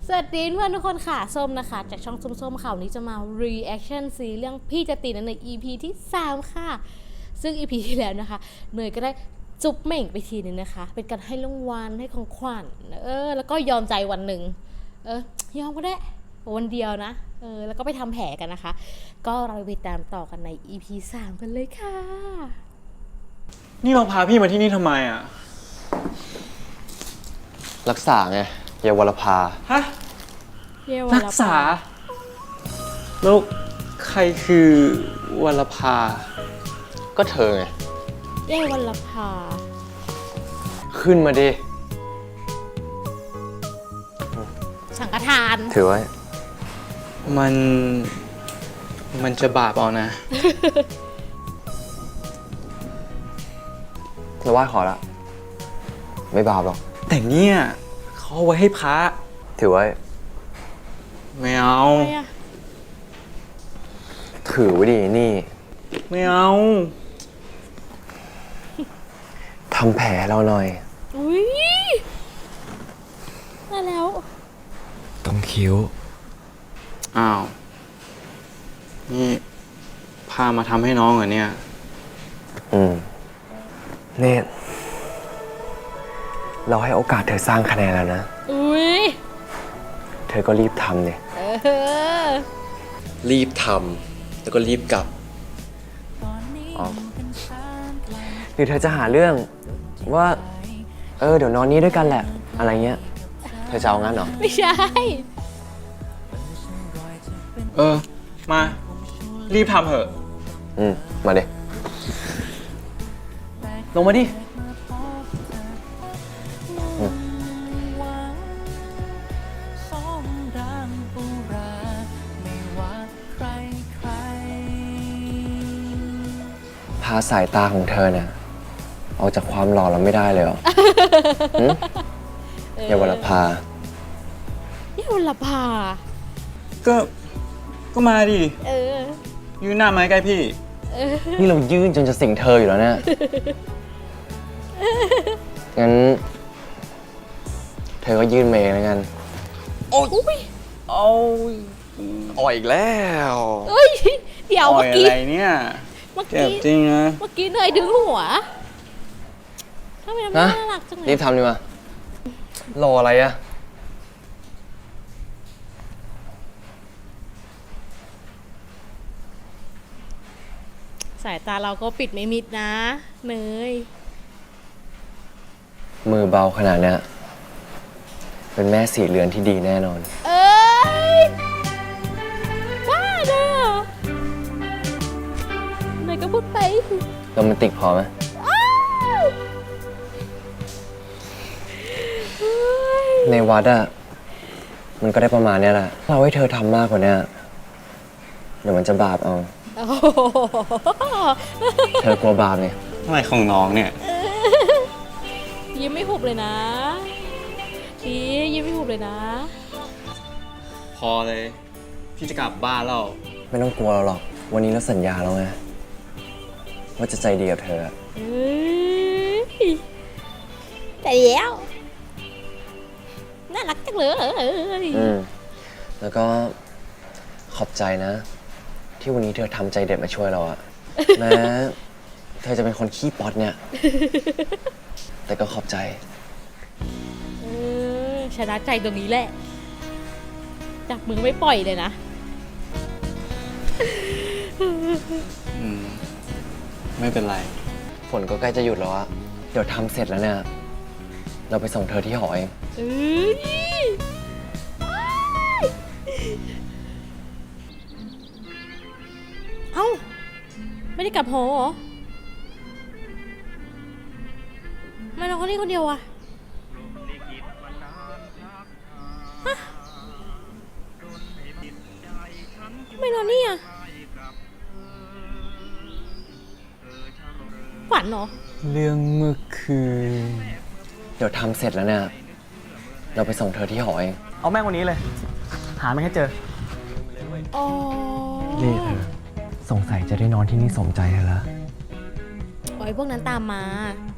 สวัสดีเพื่อนทุกคนค่ะส้มนะคะจากช่องส้มข่าวนี้จะมา reaction ซีเรื่องพี่จะตีนใน EP ที่ 3 ค่ะซึ่ง EP ที่แล้วนะคะเนยก็ได้จุ๊บเหม่งไปทีนึงนะคะเป็นการให้รางวัลให้ของขวัญแล้วก็ยอมใจวันหนึ่งยอมก็ได้วันเดียวนะแล้วก็ไปทำแผลกันนะคะก็เราไปตามต่อกันใน EP 3 กันเลยค่ะนี่เราพาพี่มาที่นี่ทำไมอ่ะรักษาไงเยาวรภาฮะรักษาแล้วใครคือวรภาก็เธอไงเย้วัลภาขึ้นมาดิสังฆทานถือไว้มันจะบาปเอานะเราไหว้ขอละไม่บาปหรอกแต่เนี่ยเขาเอาไว้ให้พระถือไว้ไม่เอาถือไว้ดินี่ไม่เอาทำแผลเราหน่อยอุ้ยมาแล้วต้องคิ้วอ้าวนี่พามาทำให้น้องเหรอเนี่ยเนตเราให้โอกาสเธอสร้างคะแนนแล้วนะอุ้ยเธอก็รีบทำเนี่ยรีบทำแล้วก็รีบกลับหรือเธอจะหาเรื่องว่าเดี๋ยวนอนนี้ด้วยกันแหละอะไรเงี้ยเธอจะเอางั้นเหรอไม่ใช่มารีบทำเถอะมาดิลงมาดิพาสายตาของเธอเนี่ยออกจากความหล่อเราไม่ได้เลยเหรอเยาวรภาเยาวรภาก็มาดิยืนหน้าไม้ใกล้พี่นี่เรายื่นจนจะสิงเธออยู่แล้วเนี่ยงั้นเธอก็ยื่นเมย์แล้วกันโอ้ยอ่อยอีกแล้วเดี๋ยวเมื่อกี้อะไรเนี่ยเจ็บจริงนะเมื่อกี้เนยดึงหัวทำไมน่ารักจังเลยรีบทำดีมารออะไรอะสายตาเราก็ปิดไม่มิดนะเนยมือเบาขนาดนี้เป็นแม่สีเรือนที่ดีแน่นอนบ้าเนอะเนยก็พูดไปโรแมนติกพอไหมในวัดอะมันก็ได้ประมาณนี้แหละเราให้เธอทำมากกว่านี้เดี๋ยวมันจะบาปเอาเธอกลัวบาปเนี่ยอะไรของน้องเนี่ยยิ้มไม่หุบเลยนะยิ้มไม่หุบเลยนะพอเลยพี่จะกลับบ้านแล้วไม่ต้องกลัวเราหรอกวันนี้เราสัญญาแล้วไงว่าจะใจดีกับเธอใจเดียวน่ารักจังเลยแล้วก็ขอบใจนะที่วันนี้เธอทำใจเด็ดมาช่วยเราอะแม้เธอจะเป็นคนขี้ป๊อตเนี่ยแต่ก็ขอบใจชนะใจตรงนี้แหละจับมือไม่ปล่อยเลยนะไม่เป็นไรฝนก็ใกล้จะหยุดแล้วอะเดี๋ยวทำเสร็จแล้วเนี่ยเราไปส่งเธอที่หอเองเอ้าไม่ได้กลับหอเหรอไม่นอนคนนี้คนเดียวอะไม่นอนนี่อะฝันเหรอเรื่องเมื่อคืนเดี๋ยวทำเสร็จแล้วเนี่ยเราไปส่งเธอที่หอเองเอาแม่งวันนี้เลยหาไม่ให้เจอนี่เธอสงสัยจะได้นอนที่นี่สมใจแล้วโอ้ยพวกนั้นตามมา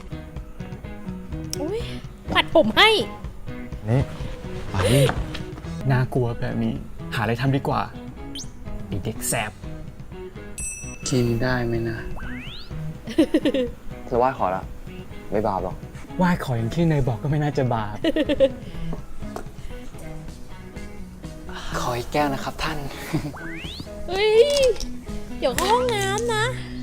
ปัดผมให้นี่ไปน่ากลัวแบบนี้ หาอะไรทำดีกว่าไอเด็กแสบกินได้ไหมนะจะไหว้ขอละไม่บาปหรอกไหว้ขออย่างที่เนยบอกก็ไม่น่าจะบาป ขออีกแก้วนะครับท่านเฮ้ย เดี๋ยวเข้าห้องน้ำนะ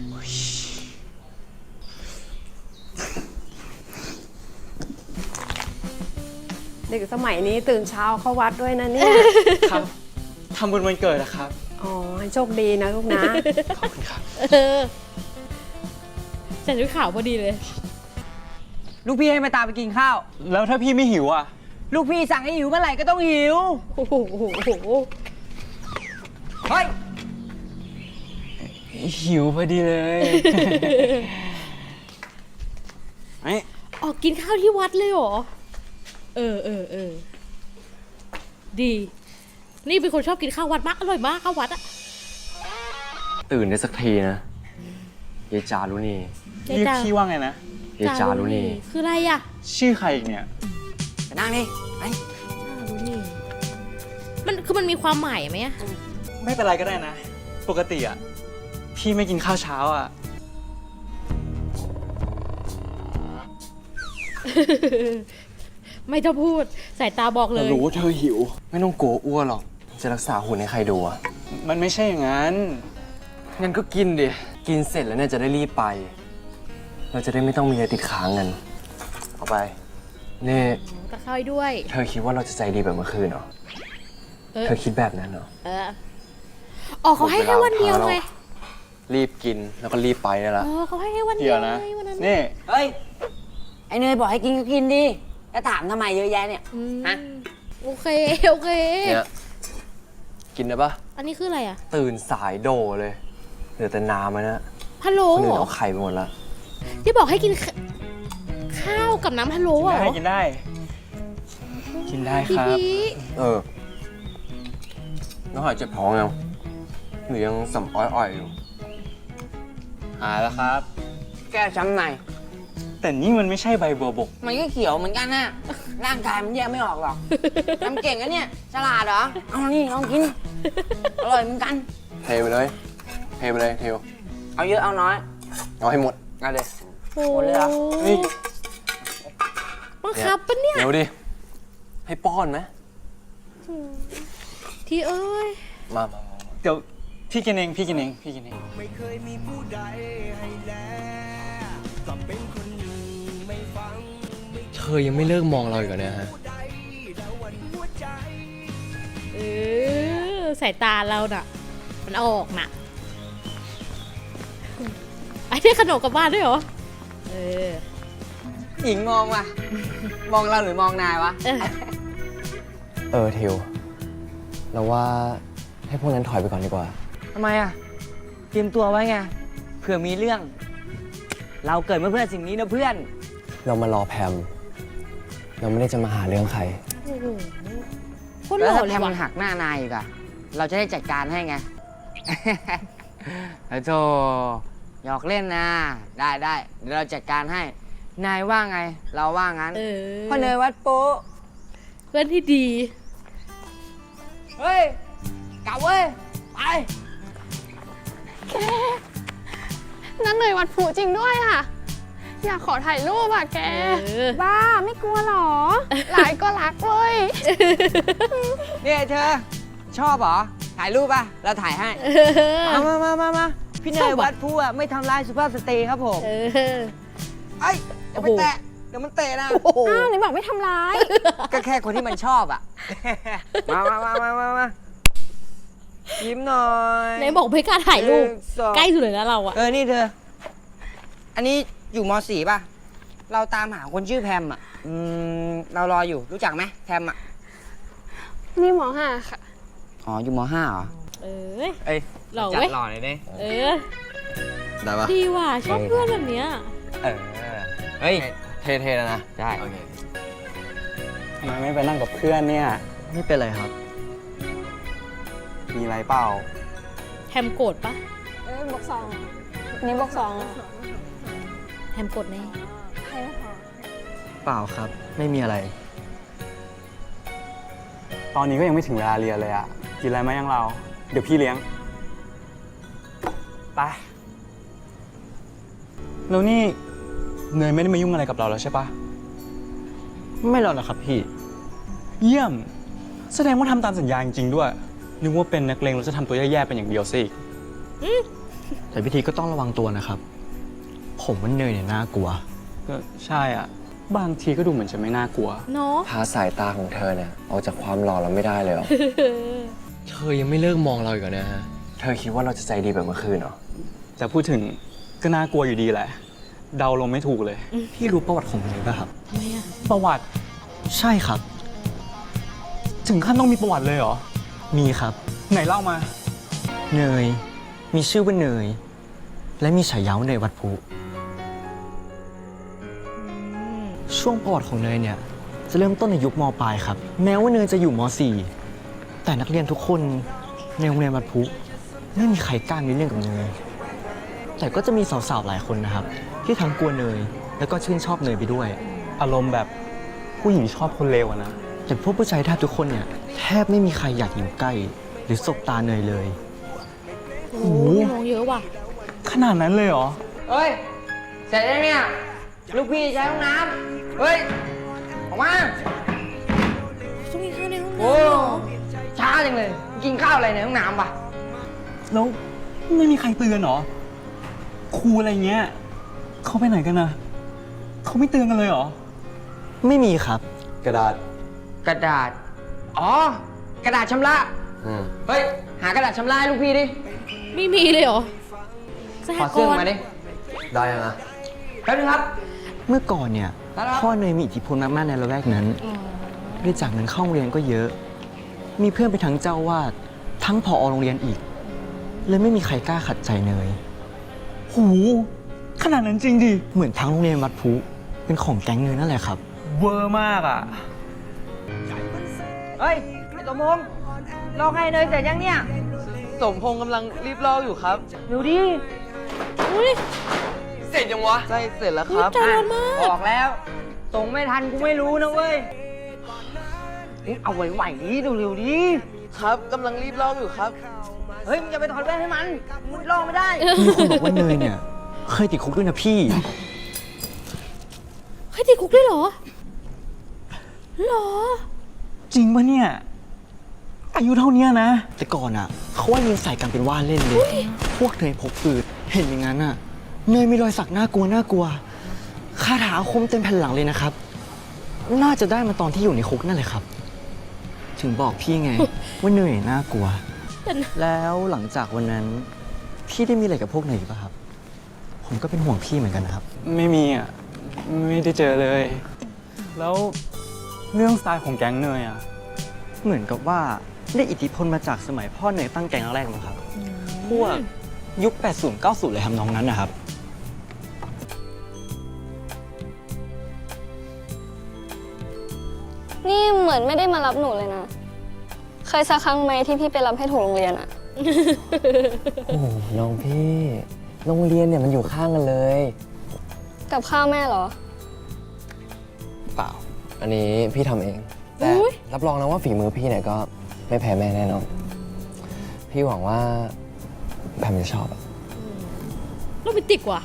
เด็กสมัยนี้ตื่นเช้าเข้าวัดด้วยนะเนี่ยครับทำบุญวันเกิดนะครับอ๋อ ให้โชคดีนะลูกนะขอบคุณครับเออใส่ชุดขาวพอดีเลยลูกพี่ให้มาตามไปกินข้าวแล้วถ้าพี่ไม่หิวอ่ะลูกพี่สั่งให้หิวเมื่อไหร่ก็ต้องหิวโอ้โหเฮ้ยหิวพอดีเลยไอ้ออกกินข้าวที่วัดเลยเหรอ ดี นี่เป็นคนชอบกินข้าววัดมาก อร่อยมากข้าววัดอะตื่นได้สักทีนะยายจารุณีเรียกพี่ว่าไงนะยายจารุณีคืออะไรอะชื่อใครอีกเนี่ยไปนั่งดิไปจารุณีมันมีความหมายไหมอะไม่เป็นไรก็ได้นะ ปกติอ่ะ พี่ไม่กินข้าวเช้าอ่ะไม่ต้องพูด สายตาบอกเลยรู้ว่าเธอหิว ไม่ต้องกลัวอ้วนหรอก จะรักษาหุ่นให้ใครดูอ่ะมันไม่ใช่อย่างนั้นงั้นก็กินดิ กินเสร็จแล้วเนี่ยจะได้รีบไป เราจะได้ไม่ต้องมีอะไรติดค้างกัน เอาไป นี่ตะเข้าให้ด้วยเธอคิดว่าเราจะใจดีแบบเมื่อคืนเหรอเออเธอคิดแบบนั้นเหรออ๋อเขาให้แค่วันเดียวไงรีบกินแล้วก็รีบไปได้ละอ๋อเขาให้แค่วันเดีเดี๋ยยว วนะไงวันนั้นนี่เฮ้ย ไอเนยบอกให้กินก็กินดิแล้วถามทำไมเยอะแยะเนี่ยอืมฮะโอเค โอเคเนี่ย กินได้ปะอันนี้คืออะไรอะตื่นสายโดเลยเหลือแต่น้ำแล้วนะพะโล้คนอื่เหรนอเอาไข่ไปหมดละที่บอกให้กินข้าวกับน้ำพะโล้กินเหรได้อกินได้ กินได้พี่ครับพีน้องหายเจ็บท้องยังหรือยังสำอ้อยๆอยู่หายแล้วครับแก้ช้ำในแต่นี่มันไม่ใช่ใบบัวบกมันก็เขียวเหมือนกันนะร่างกายมันแยกไม่ออกหรอกทำเก่งนะเนี่ย ฉลาดเหรอ เอานี่ลองกิน อร่อยเหมือนกันเทไปเลย เทไปเลยเทวเอาเยอะเอาน้อยเอาให้หมดเอาเลยโอ้หมดเลยเหรอนี่บังคับปะเนี่ยเดี๋ยวดิ ให้ป้อนไหมที่เอ้ยมาเดี๋ยวพี่กินเองพี่กินเองพี่กินเองเธอยังไม่เลิกมองเราอีกเหรอเนี่ยฮะสายตาเราน่ะ มันออกน่ะไอ้ที่ขนมกลับบ้านด้วยเหรอหญิงมองว่ะ มองเราหรือมองนายวะเทวเราว่าให้พวกนั้นถอยไปก่อนดีกว่าทำไมอ่ะ เตรียมตัวไว้ไง เผื่อมีเรื่อง เราเกิดมาเพื่อสิ่งนี้นะเพื่อนเรามารอแพม เราไม่ได้จะมาหาเรื่องใครโอ้โหโคตรหแล้วล่อถ้าเลแพยมว่ะมันหักหน้านายอีกอะเราจะได้จัดการให้ไง โธ่หยอกเล่นนะ ได้ได้เดี๋ยวเราจัดการให้ นายว่าไง เราว่างั้นพ่อเนยวัดโป๊ะเพื่อนที่ดีเฮ้ย กลับเว้ย ไปนั่นเลยวัดพลุจริงด้วยอ่ะ อยากขอถ่ายรูปอ่ะแก บ้าไม่กลัวหรอ หลายก็รักเว้ยเนี่ยเธอ ชอบเหรอ ถ่ายรูปป่ะ เราถ่ายให้ มา พี่เนชอย บอะวัดพลุอะไม่ทำร้ายสุภาพสตรีครับผม ไอ้ยอย่าไปโอ้โหแตะ เดี๋ยวมันเตะนะอ้าวไหนบอกไม่ทำร้ายก็แค่คนที่มันชอบอ่ะ มายิ้มหน่อยไหนบอกไม่กล้าถ่ายรูปหนึ่งสองใกล้สุดเลยนะเราอะนี่เธอ อันนี้อยู่ม .4 ป่ะ เราตามหาคนชื่อแพมอ่ะ เรารออยู่ รู้จักไหมแพมอ่ะนี่หมอห่าค่ะอ๋อ อยู่ม .5 เหรอเอ้ยเอ้ยหล่อจัดเว้ยหล่อเลยดิได้ปะดีว่ะชอบเพื่อนแบบเนี้ยเฮ้ยเทแล้วนะได้โอเคทำไมไม่ไปนั่งกับเพื่อนเนี่ยไม่เป็นไรครับมีอะไรเปล่าแฮมโกรธปะบอกสองนี่บอกสองแฮมโกรธแน่ใครไม่พอเปล่าครับ ไม่มีอะไรปตอนนี้ก็ยังไม่ถึงเวลาเรียนเลยอะกินอะไรไหมยังเรา เดี๋ยวพี่เลี้ยง ไป แล้วนี่เนยไม่ได้มายุ่งอะไรกับเราแล้วใช่ปะไม่หรอกนะครับพี่เยี่ยม แสดงว่าทำตามสัญญาจริงๆด้วย นึกว่าเป็นนักเลงเราจะทำตัวแย่ๆเป็นอย่างเดียวสิอีกแต่พิธีก็ต้องระวังตัวนะครับ ผมว่าเนยเนี่ยน่ากลัวก็ใช่อ่ะ บางทีก็ดูเหมือนจะไม่น่ากลัวเนาะพาสายตาของเธอเนี่ยออกจากความหล่อเราไม่ได้เลยเหรอ เธอยังไม่เลิกมองเราอีกเหรอนะฮะ เธอคิดว่าเราจะใจดีแบบเมื่อคืนเหรอแต่พูดถึงก็น่ากลัวอยู่ดีแหละ เดาลงไม่ถูกเลยพี่รู้ประวัติของเนยป่ะครับทำไมอะประวัติใช่ครับถึงขั้นต้องมีประวัติเลยเหรอมีครับไหนเล่ามาเนย มีชื่อว่าเนย และมีฉายาว่าเนยวัดพุช่วงประวัติของเนยเนี่ยจะเริ่มต้นในยุคม.ปลายครับ แม้ว่าเนยจะอยู่ม.4 แต่นักเรียนทุกคนในโรงเรียนวัดพุไม่มีใครกล้ามีเรื่องกับเนย แต่ก็จะมีสาวๆหลายคนนะครับ ที่ทั้งกลัวเนย แล้วก็ชื่นชอบเนยไปด้วยอารมณ์แบบผู้หญิงชอบคนเลวอะนะแต่พวกผู้ชายแทบทุกคนเนี่ยแทบไม่มีใครอยากอยู่ใกล้ หรือสบตาเนยเลยโอ้โหมองเยอะว่ะขนาดนั้นเลยเหรอเฮ้ย เสร็จแล้วเนี่ย ลูกพี่ใช้ห้องน้ำเฮ้ย ออกมาช่วงนี้ข้าวในห้องโอ้น้ำเหรอช้าจังเลย กินข้าวอะไรในห้องน้ำปะแล้วไม่มีใครเตือนเหรอ ครูอะไรเงี้ยเขาไปไหนกันนะเขาไม่เตือนกันเลยเหรอไม่มีครับกระดาษกระดาษ อ๋อ กระดาษชำระ เฮ้ย หากระดาษชำระให้ลูกพี่ดิไม่มีเลยเหรอสหขอก เสื้อรณ์มาดิได้ยังอะแป๊บนึงครับเมื่อก่อนเนี่ยครับพ่อเนยมีอิทธิพลมากๆในละแวกนั้นอ๋อบริจาคเงินเข้าโรงเรียนก็เยอะ มีเพื่อนไปทั้งเจ้าวาดทั้งผอโรงเรียนอีก เลยไม่มีใครกล้าขัดใจเนยหู ขนาดนั้นจริงดิเหมือนทั้งโรงเรียนวัดพุเป็นของแก๊งเนยนั่นแหละครับเวอร์มากอ่ะเฮ้ย ไอ้สมพงษ์ลอกให้เนยเสร็จยังเนี่ยสมพงษ์กำลังรีบลอกอยู่ครับเดี๋ยวดิอุ้ยเสร็จยังวะ ใช่เสร็จแล้วครับใจร้อนมากบอกแล้ว ส่งไม่ทันกูไม่รู้นะเว้ย เอาไหวๆดิเร็วๆดิครับกำลังรีบลอกอยู่ครับเฮ้ยมึงอย่าไปถอดแว่นให้มันมึงลอกไม่ได้มีคนบอกว่าเนยเนี่ยเคยติดคุกด้วยนะพี่ให้ติดคุกด้วยเหรอ เหรอจริงปะเนี่ย อายุเท่าเนี้ยนะแต่ก่อนอ่ะเขาว่ายิงใส่กันเป็นว่าเล่นเลย พวกเนยพกปืนเห็นอย่างนั้นอ่ะ เนยมีรอยสักน่ากลัวน่ากลัวคาถาอาคมเต็มแผ่นหลังเลยนะครับ น่าจะได้มาตอนที่อยู่ในคุกนั่นแหละครับ ถึงบอกพี่ไง ว่าเนยน่ากลัวแต่นะแล้วหลังจากวันนั้น พี่ได้มีอะไรกับพวกเนยอีกป่ะครับ ผมก็เป็นห่วงพี่เหมือนกันนะครับไม่มีอ่ะ ไม่ได้เจอเลย แล้วเรื่องสไตล์ของแก๊งเนยอ่ะเหมือนกับว่าได้อิทธิพลมาจากสมัยพ่อเนยตั้งแก๊งแรกๆมั้งครับ พวกยุค 80 90 เลยทำนองนั้นนะครับนี่เหมือนไม่ได้มารับหนูเลยนะ เคยสักครั้งไหมที่พี่ไปรับให้ถูกโรงเรียนอะโอ้น้องพี่ โรงเรียนเนี่ยมันอยู่ข้างกันเลยกับข้าวแม่เหรอเปล่า อันนี้พี่ทำเอง แต่อุ๊ยรับรองนะว่าฝีมือพี่เนี่ยก็ไม่แพ้แม่แน่นอน พี่หวังว่าแพมจะชอบอะโรแมนติกว่ะ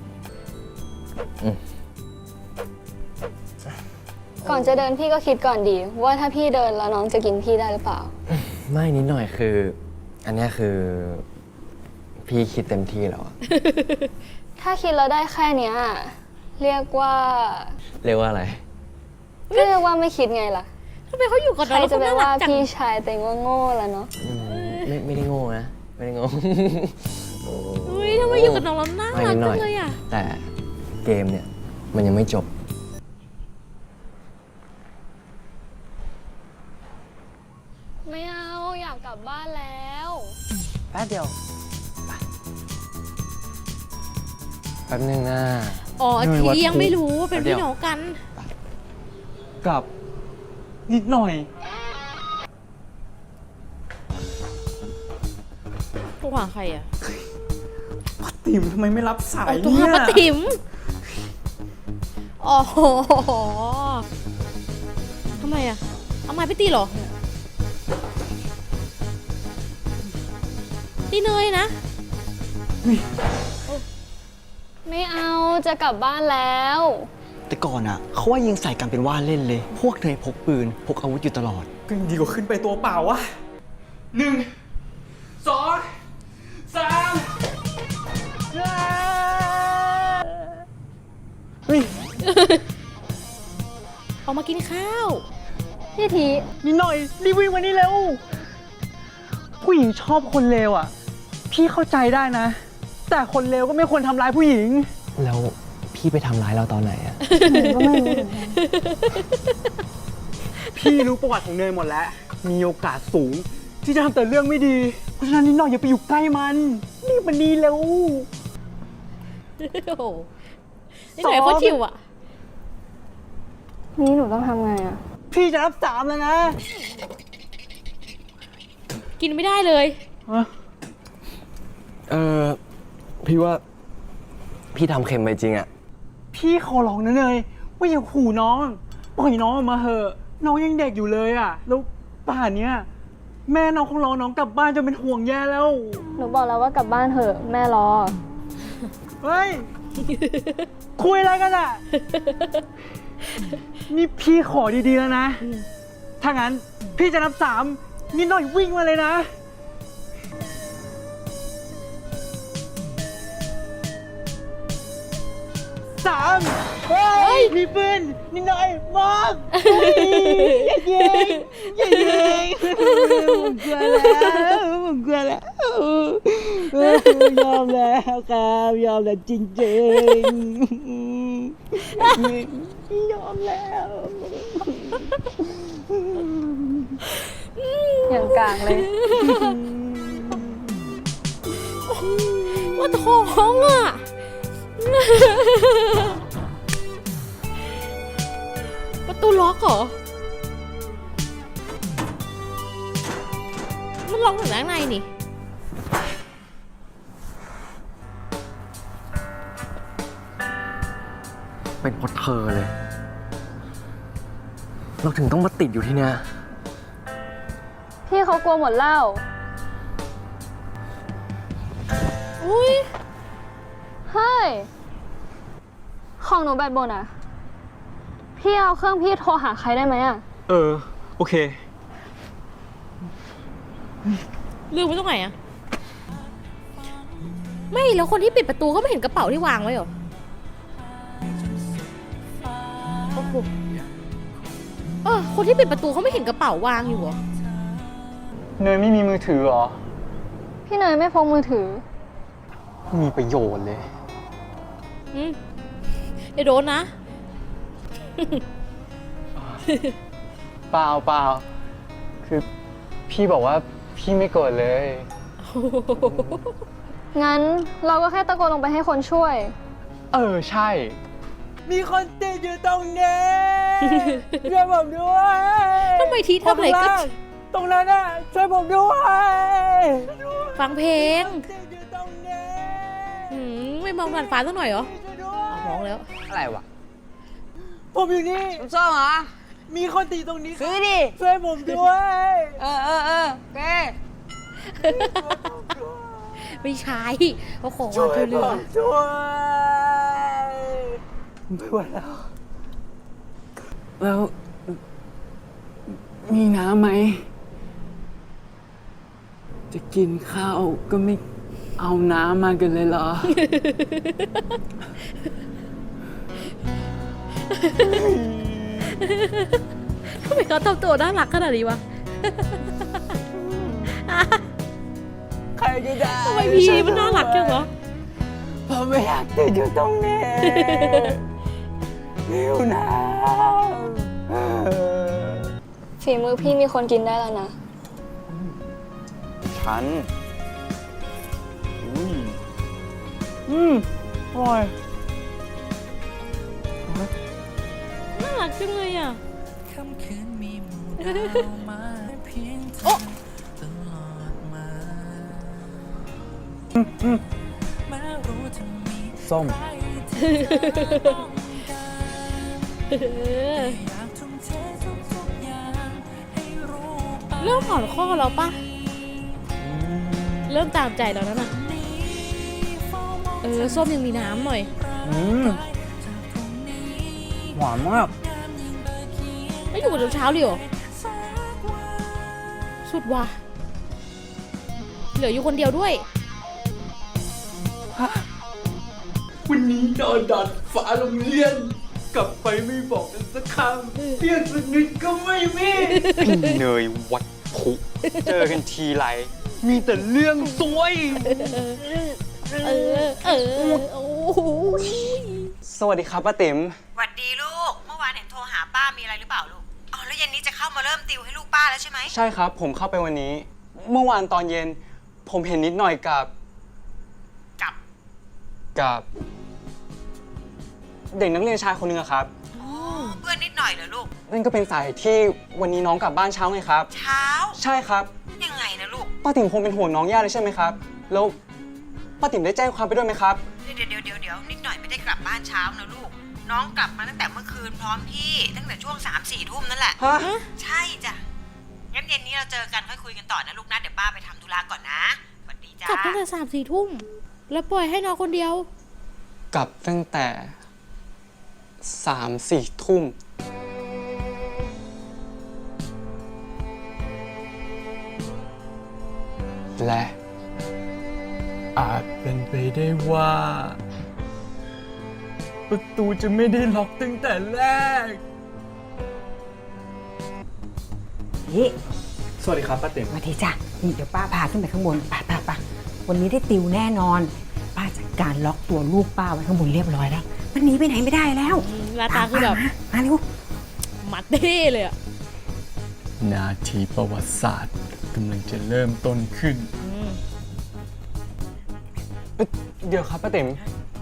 ก่อนจะเดินพี่ก็คิดก่อนดี ว่าถ้าพี่เดินแล้วน้องจะกินพี่ได้หรือเปล่าไม่นิดหน่อยคือ อันเนี้ยคือ พี่คิดเต็มที่แล้วอะถ้าคิดแล้วได้แค่เนี้ยเรียกว่าเรียกว่าอะไรก็เรียกว่าไม่คิดไงล่ะทำไมเขาอยู่กับใคเรารแล้วจะเขาไปน่ารัว่ากจังพี่ชายแต่ว่าโง่ละเนาะไม่ได้โง่นะ ไม่ได้โง่อุ้ยทำไมอยู่กับน้องแล้วน่าไม่รักนิดหน่จัอยงเลยอ่ะแต่เกมเนี่ย มันยังไม่จบไม่เอาอยากกลับบ้านแล้วแป๊บเดียวแป๊บนึงนะอ๋อเนยวัดทียังพุไม่รู้ว่าเป็นเดี๋พี่ยวน้องกันกับนิดหน่อยโทรหาใครอ่ะติ๋มทำไมไม่รับสายโทรเนี่หาย ป้าติ๋มอ๋อทำไมอ่ะเอาไม้ไปตีเหรอนี่เนยนะไม่เอาจะกลับบ้านแล้วแต่ก่อนอ่ะเขาว่ายิงใส่กันเป็นว่าเล่นเลย พวกเธอพกปืน พกอาวุธอยู่ตลอดก็ยังดีกว่าขึ้นไปตัวเปล่าวะ1 2 3เฮ้ยออกมากินข้าวพี่ทีนิดหน่อยรีบวิ่งมานี่เร็ว ผู้หญิงชอบคนเลวอ่ะ พี่เข้าใจได้นะ แต่คนเลวก็ไม่ควรทำร้ายผู้หญิงแล้วพี่ไปทำร้ายเราตอนไหนอะพี่รู้ประวัติของเนยหมดแล้ว มีโอกาสสูง ที่จะทำแต่เรื่องไม่ดี เพราะฉะนั้นนิดหน่อยอย่าไปอยู่ใกล้มันรีบมานี่เร็วโอ้โหนี่ไหนเขาชิวอ่ะนี่หนูต้องทำไงอะพี่จะรับ3แล้วนะกินไม่ได้เลยพี่ว่าพี่ทำเค็มไปจริงอะพี่ขอร้องนะเนยว่าอย่าขู่น้อง ปล่อยน้องออกมาเหอะ น้องยังเด็กอยู่เลยอ่ะ แล้วป่านเนี้ยแม่น้องคงรอน้องกลับบ้านจนเป็นห่วงแย่แล้วหนูบอกแล้วว่ากลับบ้านเถอะแม่รอเฮ้ย คุยอะไรกันอ่ะ นี่พี่ขอดีๆแล้วนะ ถ้างั้นพี่จะนับ3นิดหน่อยวิ่งมาเลยนะ 3 เฮ้ย มีปืนนิดหน่อยมอบอย่ายิงอย่ายิงผมกลัวแล้วผมกลัวแล้วยอมแล้วครับยอมแล้วจริงๆยอมแล้วอย่างกลางเลยว่าท้องอ่ะ ประตูล็อกเหรอ มันล็อกอยู่ด้านในนี่เป็นเพราะเธอเลย เราถึงต้องมาติดอยู่ที่เนี่ยพี่เขากลัวหมดเหล้าอุ้ยเฮ้ย ของหนูแบตหมดอะพี่เอาเครื่องพี่โทรหาใครได้ไหมอะโอเคลืมไว้ตรงไหนอะไม่แล้วคนที่ปิดประตูก็ไม่เห็นกระเป๋าที่วางไว้เหรอ โอ้โหคนที่ปิดประตูเขาไม่เห็นกระเป๋าวางอยู่เหรอเนยไม่มีมือถือเหรอพี่เนยไม่พกมือถือมีประโยชน์เลยเดี๋ยวโดนนะเปล่า คือพี่บอกว่าพี่ไม่โกรธเลยงั้นเราก็แค่ตะโกนลงไปให้คนช่วยใช่ มีคนติดอยู่ตรงนี้ ช่วยผมด้วยทำไมทีทำอะไรก็ตรงนั้นน่ะช่วยผมด้วยฟังเพลงติดอยู่ตรงนี้ไม่มองผ่านฟ้าสักหน่อยเหรอช่วยด้วยมองแล้วอะไรวะผมอยู่นี่น้ำส้มเหรอมีคนติดตรงนี้ซื้อดิช่วยผมด้วยเออโอเคไม่ใช่เขาขอช่วาวยงเธอผเรือมด้วยไม่ไหวแล้ว แล้ว มีน้ำไหม จะกินข้าวก็ไม่เอาน้ำมากันเลยเหรอทำไมเขาทำตัวน่ารักขนาดนี้วะใครก็ได้ทำไมพี่มันน่ารักจังวะผมไม่อยากติดอยู่ตรงนี้หิวน้ำฝีมือพี่มีคนกินได้แล้วนะฉันอร่อยน่ารักจังเลยอ่ะส้มเออเริ่มผ่อนข้อแล้วปะเริ่มตามใจแล้วนั่นน่ะส้มยังมีน้ำหน่อยหวานมากไม่อยู่กับเช้าเลยเหรอสุดว่ะเหลืออยู่คนเดียวด้วยวันนี้นอนดัดฟ้าโรงเรียน กลับไปไม่บอกกันสักคำเรียกสักนิดก็ไม่มีพี่เนยวัดผุเจอกันทีไร มีแต่เรื่องซวยโอ้โหสวัสดีครับป้าติ๋มหวัดดีลูก เมื่อวานเห็นโทรหาป้ามีอะไรหรือเปล่าลูก อ๋อแล้วเย็นนี้จะเข้ามาเริ่มติวให้ลูกป้าแล้วใช่ไหมใช่ครับ ผมเข้าไปวันนี้ เมื่อวานตอนเย็น ผมเห็นนิดหน่อยกับ เด็กนักเรียนชายคนหนึงอะครับอ๋อ เพื่อนนิดหน่อยเหรอลูกนั่นก็เป็นสาเหตุที่วันนี้น้องกลับบ้านเช้าไงครับเช้าใช่ครับยังไงนะลูกป้าติ๋มคงเป็นห่วงน้องย่าเลยใช่ไหมครับ แล้วป้าติ๋มได้แจ้งความไปด้วยไหมครับเดี๋ยวนิดหน่อยไม่ได้กลับบ้านเช้านะลูก น้องกลับมาตั้งแต่เมื่อคืนพร้อมพี่ตั้งแต่ช่วง3-4 ทุ่มนั่นแหละฮะใช่จ้ะ งั้นเย็นนี้เราเจอกันค่อยคุยกันต่อนะลูกนะ เดี๋ยวป้าไปทำธุระก่อนนะสวัสดีจ้ากลับตั้งแต่3-4 ทุ่มแล้วปล่อยให้น้องคนเดียวกลับตั้งแต่3-4 ทุ่ม และอาจเป็นไปได้ว่า ประตูจะไม่ได้ล็อกตั้งแต่แรกนี่สวัสดีครับป้าติ๋มมาทีจ้ะนี่เดี๋ยวป้าพาขึ้นไปข้างบนป้าวันนี้ได้ติวแน่นอน ป้าจัดการล็อกตัวลูกป้าไว้ข้างบนเรียบร้อยแล้ว มันหนีไปไหนไม่ได้แล้วหน้าตาคือแบบมาเร็วมัดเท่เลยอะนาทีประวัติศาสตร์กำลังจะเริ่มต้นขึ้น เดี๋ยวครับป้าติ๋ม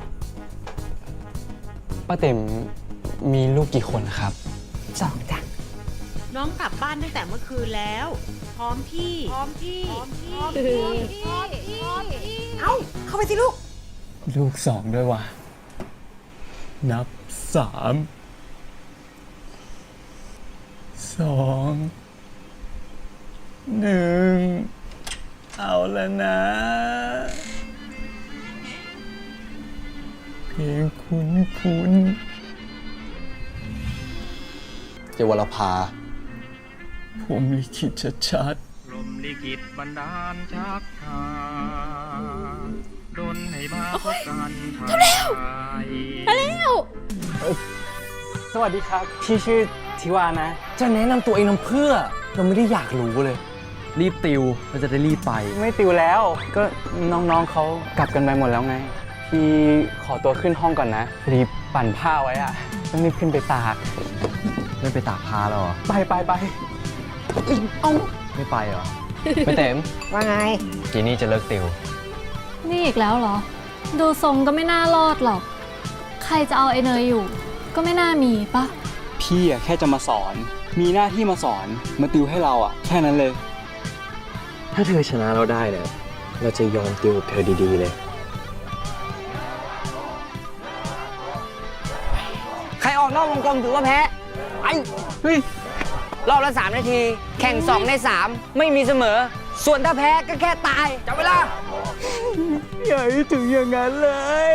ป้าติ๋มมีลูกกี่คนครับ 2จ้ะน้องกลับบ้านตั้งแต่เมื่อคืนแล้ว พร้อมพี่เอ้าเข้าไปสิลูกลูก2ด้วยว่ะ นับ 3 2 1 เอาแล้วนะ เพลงคุ้นเจวรภา ผมลิขิตชัดลมลิขิตบันดาลชักพาดนให้มาพบกันทางใจมาแล้วๆ สวัสดีครับ พี่ชื่อทิวานะจะแนะนำตัวเองทำเพื่อ เราไม่ได้อยากรู้เลย รีบติวเราจะได้รีบไปไม่ติวแล้ว ก็น้องๆเขากลับกันไปหมดแล้วไง พี่ขอตัวขึ้นห้องก่อนนะรีบปั่นผ้าไว้อะต้องรีบขึ้นไปตากไม่ไปตากผ้าหรอไปไม่ไปเหรอ ไม่เต็มว่าไงทีนี้จะเลิกติวนี่อีกแล้วเหรอ ดูทรงก็ไม่น่ารอดหรอก ใครจะเอาไอ้เนยอยู่ ก็ไม่น่ามีปะพี่อะแค่จะมาสอน มีหน้าที่มาสอน มาติวให้เราอะแค่นั้นเลยถ้าเธอชนะเราได้เนี่ย เราจะยอมติวกับเธอดีๆเลยใครออกนอกวงกลมถือว่าแพ้ไอ้เฮ้ยรอบละ3 นาที แข่ง 2 ใน 3 ไม่มีเสมอ ส่วนถ้าแพ้ก็แค่ตายจับเวลาอย่าให้ถึงอย่างนั้นเลย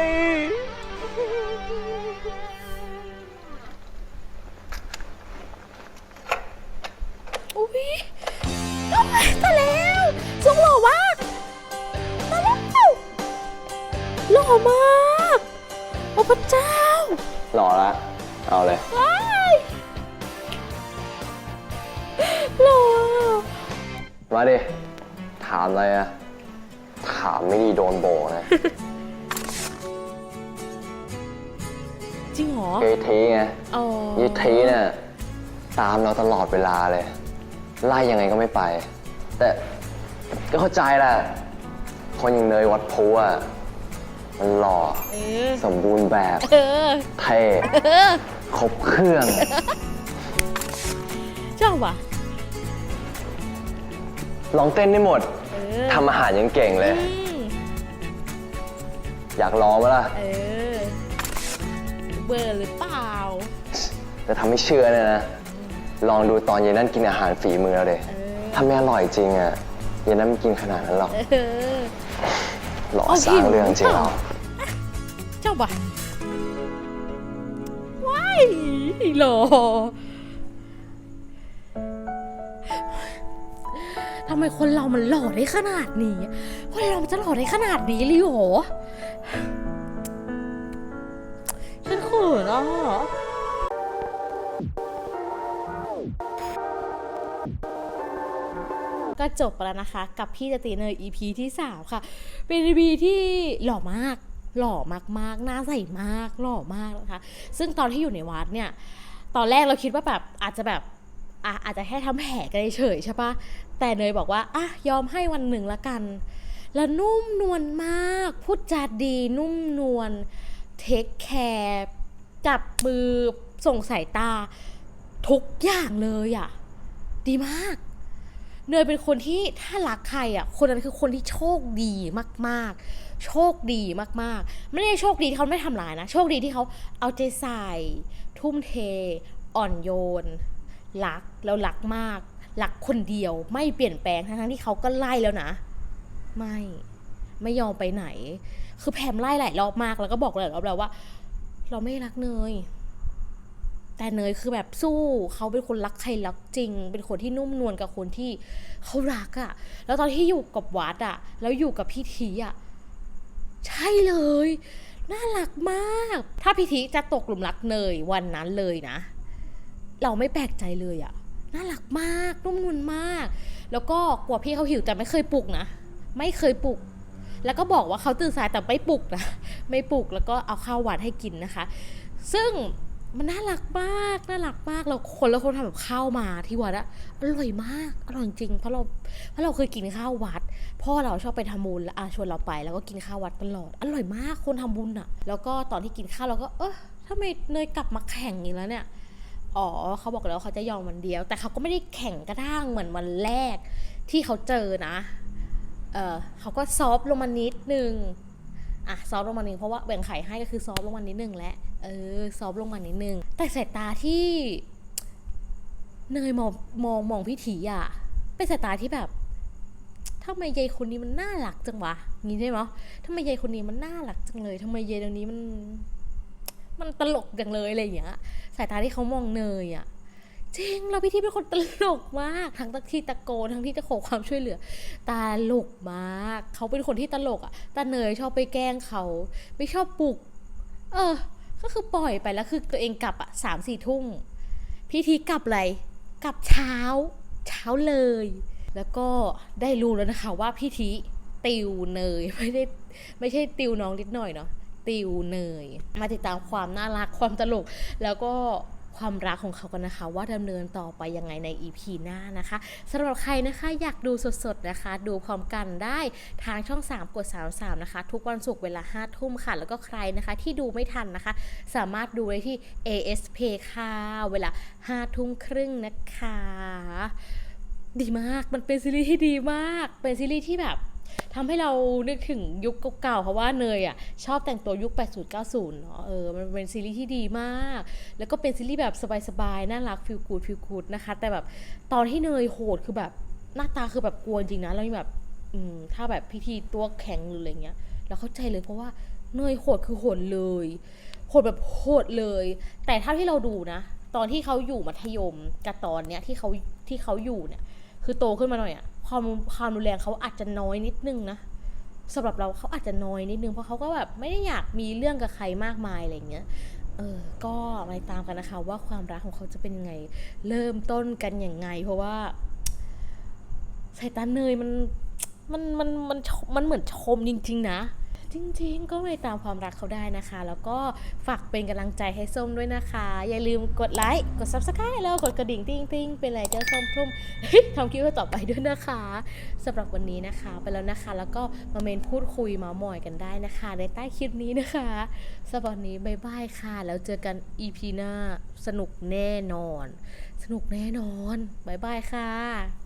อุ้ยตายแล้วทรงหล่อมากตายแล้วหล่อมากโอ้พระเจ้าหล่อละ เอาเลยว้ายหล่อมาดิ ถามอะไรอะถามไม่ดีโดนโบนะจริงเหรอเกทีไงอ๋อยีทีเนี่ยตามเราตลอดเวลาเลย ไล่ยังไงก็ไม่ไป แต่ก็เข้าใจแหละ คนอย่างเนยวัดพูอะมันหล่อ สมบูรณ์แบบเออเท่ครบเครื่องชอบว่ะลองเต้นได้หมดเออทำอาหารยังเก่งเลยอืมอยากลองไหมล่ะเออ เบอร์หรือเปล่าแต่ทำให้เชื่อเนี่ยนะ ลองดูตอนเย็นนั่นกินอาหารฝีมือเราเด็เออถ้าไม่อร่อยจริงอ่ะเย็นนั้นไม่กินขนาดนั้นหรอกเออหล่อสร้างเรื่องจริงเหรอเจ้าบ่ะว้ายหล่อทำไมคนเรามันหล่อได้ขนาดนี้คนเรามันจะหล่อได้ขนาดนี้เลยเหรอฉันเขินอ่ะก็จบไปแล้วนะคะกับพี่จะตีเนย EP ที่ 3 ค่ะ เป็น EP ที่หล่อมากหล่อมากๆหน้าใสมากหล่อมากนะคะซึ่งตอนที่อยู่ในวัดเนี่ยตอนแรกเราคิดว่าแบบอาจจะแค่ทำแผลกันเฉยๆใช่ปะแต่เนยบอกว่าอ่ะยอมให้วันหนึ่งละกันแล้วนุ่มนวลมากพูดจาดีนุ่มนวลเทคแคร์จับมือส่งสายตาทุกอย่างเลยอ่ะดีมากเนยเป็นคนที่ถ้ารักใครอ่ะคนนั้นคือคนที่โชคดีมากๆโชคดีมากๆไม่ได้โชคดีที่เขาไม่ทำร้ายนะโชคดีที่เขาเอาใจใส่ทุ่มเทอ่อนโยนรักแล้วรักมากรักคนเดียวไม่เปลี่ยนแปลงทั้งที่เขาก็ไล่แล้วนะไม่ยอมไปไหนคือแพมไล่หลายรอบมากแล้วก็บอกหลายรอบแล้วว่าเราไม่รักเนยแต่เนยคือแบบสู้เขาเป็นคนรักใครรักจริงเป็นคนที่นุ่มนวลกับคนที่เขารักอะแล้วตอนที่อยู่กับวัดอะแล้วอยู่กับพี่ทีอะใช่เลยน่ารักมากถ้าพี่ทีจะตกหลุมรักเนยวันนั้นเลยนะเราไม่แปลกใจเลยอะน่ารักมากนุ่มนวลมากแล้วก็กลัวพี่เขาหิวแต่ไม่เคยปลุกนะไม่เคยปลุกแล้วก็บอกว่าเขาตื่นสายแต่ไม่ปลุกนะไม่ปลุกแล้วก็เอาข้าวหวานให้กินนะคะซึ่งมันน่ารักมากเราคนทำแบบข้าวมาที่วัดอะอร่อยมากอร่อยจริงเพราะเราเคยกินข้าววัดพ่อเราชอบไปทำบุญแล้วชวนเราไปแล้วก็กินข้าววัดตลอดอร่อยมากคนทำบุญอะแล้วก็ตอนที่กินข้าวเราก็ทำไมเนยกลับมาแข่งอีกแล้วเนี่ยอ๋อเขาบอกแล้วเขาจะยอมวันเดียวแต่เขาก็ไม่ได้แข่งกระด้างเหมือนวันแรกที่เขาเจอนะเขาก็ซอฟต์ลงมานิดนึงซอฟต์ลงมานิดนึงเพราะว่าแบ่งไข่ให้ก็คือซอฟต์ลงมานิดนึงแหละซอฟต์ลงมานิดนึงแต่สายตาที่เนยมองพี่ถีอ่ะเป็นสายตาที่แบบทำไมยายคนนี้มันน่ารักจังวะงี้ใช่ไหมทำไมยายคนนี้มันน่ารักจังเลยทำไมยายเดี๋ยวนี้มันตลกจังเลยอะไรอย่างเงี้ยสายตาที่เขามองเนยอ่ะจริงเราพี่ทีเป็นคนตลกมากทั้งที่ตะโกนทั้งที่จะขอความช่วยเหลือตลกมากเขาเป็นคนที่ตลกอ่ะแต่เนยชอบไปแกล้งเขาไม่ชอบปลุกก็คือปล่อยไปแล้วคือตัวเองกลับ3-4 ทุ่มพี่ทีกลับอะไรกลับเช้าเลยแล้วก็ได้รู้แล้วนะคะว่าพี่ทีติวเนยไม่ใช่ติวน้องนิดหน่อยเนาะติวเนยมาติดตามความน่ารักความตลกแล้วก็ความรักของเขากันนะคะว่าดำเนินต่อไปยังไงใน EP หน้านะคะสำหรับใครนะคะอยากดูสดๆนะคะดูพร้อมกันได้ทางช่อง3กด33นะคะทุกวันศุกร์เวลา 5 ทุ่มค่ะแล้วก็ใครนะคะที่ดูไม่ทันนะคะสามารถดูได้ที่ ASP ค่ะเวลา 5 ทุ่มครึ่งนะคะดีมากมันเป็นซีรีส์ที่ดีมากเป็นซีรีส์ที่แบบทำให้เรานึกถึงยุคเก่าๆเพราะว่าเนยชอบแต่งตัวยุค 80-90 เนาะมันเป็นซีรีส์ที่ดีมากแล้วก็เป็นซีรีส์แบบสบายๆน่ารักฟีลกูดนะคะแต่แบบตอนที่เนยโหดคือแบบหน้าตาคือแบบกลัวจริงนะแล้วแบบถ้าแบบพิธีตัวแข็งหรืออะไรเงี้ยเราเข้าใจเลยเพราะว่าเนยโหดคือโหดเลยโหดแบบโหดเลยแต่เท่าที่เราดูนะตอนที่เขาอยู่มัธยมกับตอนเนี้ยที่เขาอยู่เนี่ยคือโตขึ้นมาหน่อยความรุนแรงเขาอาจจะน้อยนิดนึงนะสำหรับเราเขาอาจจะน้อยนิดนึงเพราะเขาก็แบบไม่ได้อยากมีเรื่องกับใครมากมายอะไรเงี้ยก็ไปตามกันนะคะว่าความรักของเขาจะเป็นยังไงเริ่มต้นกันยังไงเพราะว่าสายตาเนยมันเหมือนชมจริงๆนะจริงๆก็ไปตามความรักเขาได้นะคะแล้วก็ฝากเป็นกำลังใจให้ส้มด้วยนะคะอย่าลืมกดไลค์กด Subscribe แล้วกดกระดิ่งติ้งเป็นไรเจ้าส้มทุ่มทำคลิปต่อไปด้วยนะคะสำหรับวันนี้นะคะไปแล้วนะคะแล้วก็มาเมนพูดคุยมาหมอยกันได้นะคะในใต้คลิปนี้นะคะสำหรับวันนี้บ๊ายบายค่ะแล้วเจอกัน EP หน้าสนุกแน่นอนบ๊ายบายค่ะ